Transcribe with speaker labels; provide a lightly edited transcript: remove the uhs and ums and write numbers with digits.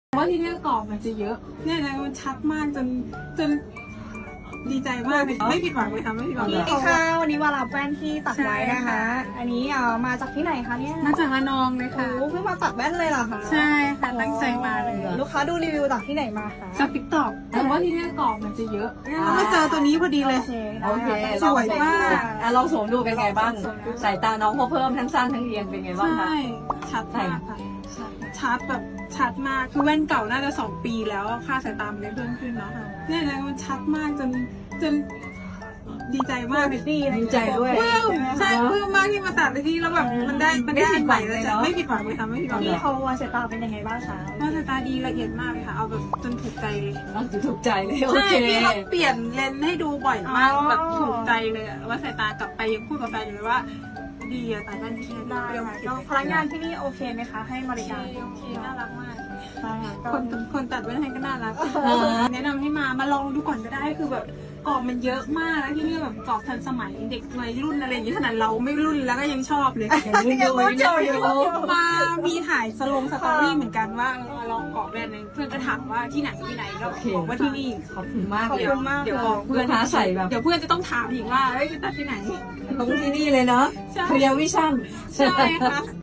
Speaker 1: ว่าที่นี่กรอบมันจะเยอะเนี่ยนะมันชัดมากจนดีใจมากเลยไม่ผิดหวังเลยค่ะไม่ผิดหวังเลย
Speaker 2: สวัสดีค่ะวันนี้มารับแว่นที่ตัดไว้นะคะ อันนี้มาจากที่ไหนคะเนี่ย
Speaker 1: มาจากระนองเลยค่ะ
Speaker 2: โอ้เพิ่งมาตัดแว่นเลยเหรอคะ
Speaker 1: ใช่ค่ะตั้งใจมาเลย
Speaker 2: ลูกค้าดูรีวิวจากที่ไหนมาคะ
Speaker 1: จากติ๊กต็อกแต่ว่าที่นี่กรอบมันจะเยอะแล้วก็เจอตัวนี้พอดีเลย
Speaker 2: โอเค
Speaker 1: สวยมาก
Speaker 3: ลองสวมดูเป็นไงบ้าง สายตาน้องพอเพิ่มทั้งสั้นทั้งเอียงเป็นไงบ้างคะ
Speaker 1: ใช่ชัดมากค่ะชัดแบบชัดมากคือแว่นเก่าน่าจะ2 ปีแล้วค่าสายตามันได้เพิ่มขึ้นเนาะเนี่ยนะมันชัดมากจนดีใจมากเลย
Speaker 3: ดีใจด้วย
Speaker 1: ปลื้มใช่ปลื้มมากที่มาตัดในที่แล้วแบบมันได้สิ่งใหม่เลยจ้ะไม่ผิดหวังเลยค่ะไม่ผิดหวังเล
Speaker 2: พี่
Speaker 1: ย
Speaker 2: เขาวาสายตาเป็นยังไงบ้างคะ
Speaker 1: ว่าสายตาดีละเอียดมากเลยค่ะเอาแบบจนถูกใจเลย
Speaker 3: จะถูกใจเลยโอ
Speaker 1: ใช่
Speaker 3: เค
Speaker 1: พี่เขาเปลี่ยนเลนส์ให้ดูบ่อยมากแบบถูกใจเลยอะว่าสายตากลับไปยังพูดกับแฟนอยู่เลยว่าดีอะตาด้านที่
Speaker 2: ได้ค่ะก็พนักงานที่นี่โอเคไหมคะให้บริการ
Speaker 1: โอเคน่ารักมาก
Speaker 2: ได้ค่ะก็
Speaker 1: คนตัดแว่นให้ก็น่ารักแนะนำให้มาลองดูก่อนก็ได้คือแบบกรอบมันเยอะมากแล้วที่นี่แบบกรอบทันสมัยเด็กวัยรุ่นอะไรอย่างนี้ขนาดเราไม่รุ่นแล้วก็ยังชอบเลย มามีถ่ายสตอรี่เหมือนกันว่าลองกรอบแบรนด์นึงเพื่อนก็ถามว่าที่ไหนก็บอกว่าที่นี่
Speaker 3: ขอบคุณมาก
Speaker 2: ขอบ
Speaker 3: เลย
Speaker 2: คุณมาก
Speaker 1: เดี๋ยว
Speaker 2: เล
Speaker 1: บอก
Speaker 2: ย
Speaker 1: เพื่อน
Speaker 3: ลูกค้าใส่แบบ
Speaker 1: เดี๋ยวเพื่อนจะต้องถามอีกว่าเอ้ยไปตัดที่ไหน
Speaker 3: ตรงที่นี่เลยเนาะ
Speaker 1: ใช่
Speaker 3: เคลียร์วิชั่น
Speaker 1: ใช่ค่ะ